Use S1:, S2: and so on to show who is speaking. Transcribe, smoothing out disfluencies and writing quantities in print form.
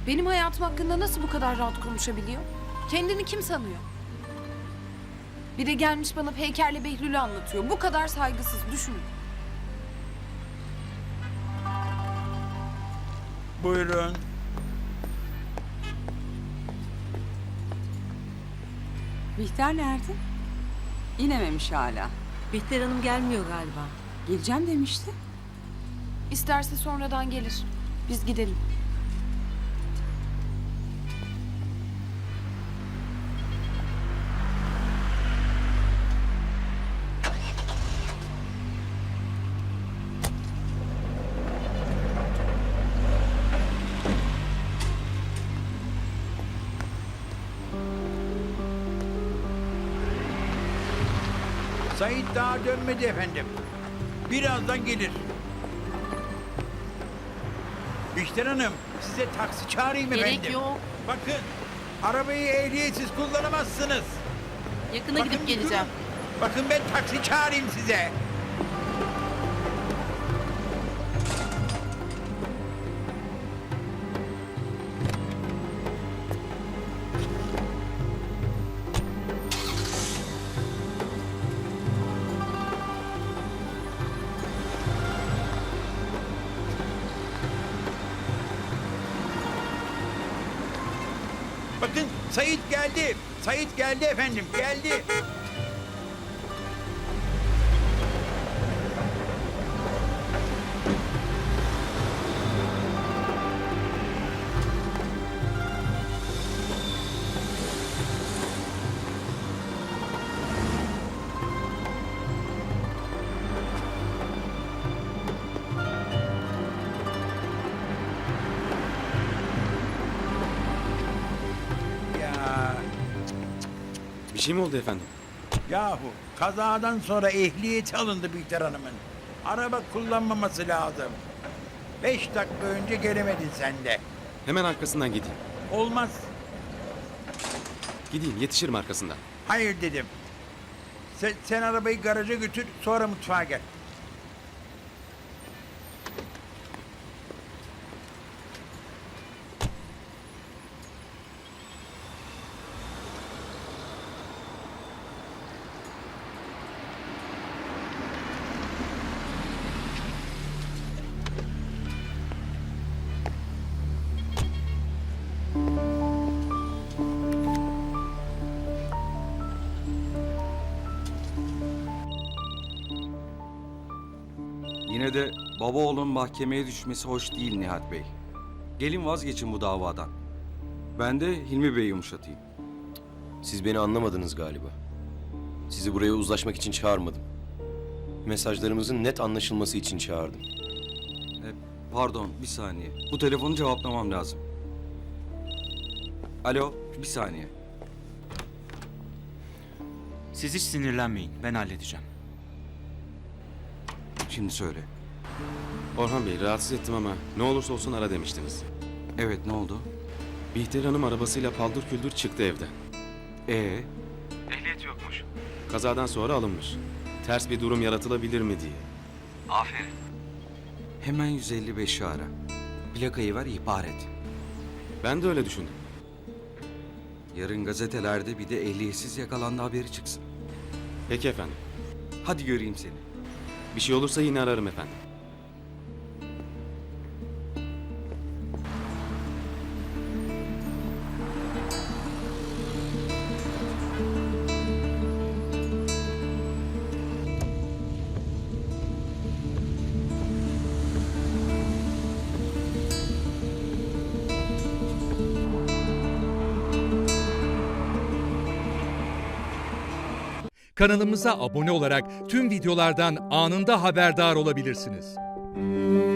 S1: Benim hayatım hakkında nasıl bu kadar rahat konuşabiliyor? Kendini kim sanıyor? Bir de gelmiş bana Peyker'le Behlül'ü anlatıyor. Bu kadar saygısız, düşünün.
S2: Buyurun.
S3: Bihter nerede? İnememiş hala.
S4: Bihter Hanım gelmiyor galiba.
S3: Geleceğim demişti.
S1: İsterse sonradan gelir. Biz gidelim.
S2: Sait daha dönmedi efendim. Birazdan gelir. Bihter Hanım, size taksi çağırayım efendim.
S4: Gerek yok.
S2: Bakın, arabayı ehliyetsiz kullanamazsınız.
S4: Yakına
S2: Bakın,
S4: gidip geleceğim.
S2: durun. Bakın ben taksi çağırayım size. Bakın Sait geldi. Sait geldi efendim, geldi. Ya,
S5: Bir şey mi oldu efendim?
S2: yahu kazadan sonra ehliyeti alındı Bihter Hanım'ın. Araba kullanmaması lazım. 5 dakika önce gelemedin sen de.
S5: Hemen arkasından gideyim.
S2: Olmaz.
S5: Gideyim, yetişirim arkasından.
S2: Hayır dedim. Sen arabayı garaja götür, sonra mutfağa gel.
S6: Yine de baba oğlun mahkemeye düşmesi hoş değil Nihat Bey. Gelin vazgeçin bu davadan. Ben de Hilmi Bey'i yumuşatayım.
S7: Siz beni anlamadınız galiba. Sizi buraya uzlaşmak için çağırmadım. Mesajlarımızın net anlaşılması için çağırdım.
S6: Pardon, bir saniye. Bu telefonu cevaplamam lazım. Alo, bir saniye.
S8: Siz hiç sinirlenmeyin. Ben halledeceğim.
S6: Şimdi söyle.
S5: Orhan Bey, rahatsız ettim ama ne olursa olsun ara demiştiniz.
S6: Evet, ne oldu?
S5: Bihter Hanım arabasıyla paldır küldür çıktı evden.
S8: Ehliyet yokmuş.
S5: Kazadan sonra alınmış. Ters bir durum yaratılabilir mi diye.
S8: Aferin.
S6: Hemen 155'i ara. Plakayı ver, ihbar et.
S5: Ben de öyle düşündüm.
S6: Yarın gazetelerde bir de ehliyetsiz yakalandı haberi çıksın.
S5: Peki efendim.
S6: Hadi göreyim seni.
S5: Bir şey olursa yine ararım efendim.
S9: Kanalımıza abone olarak tüm videolardan anında haberdar olabilirsiniz.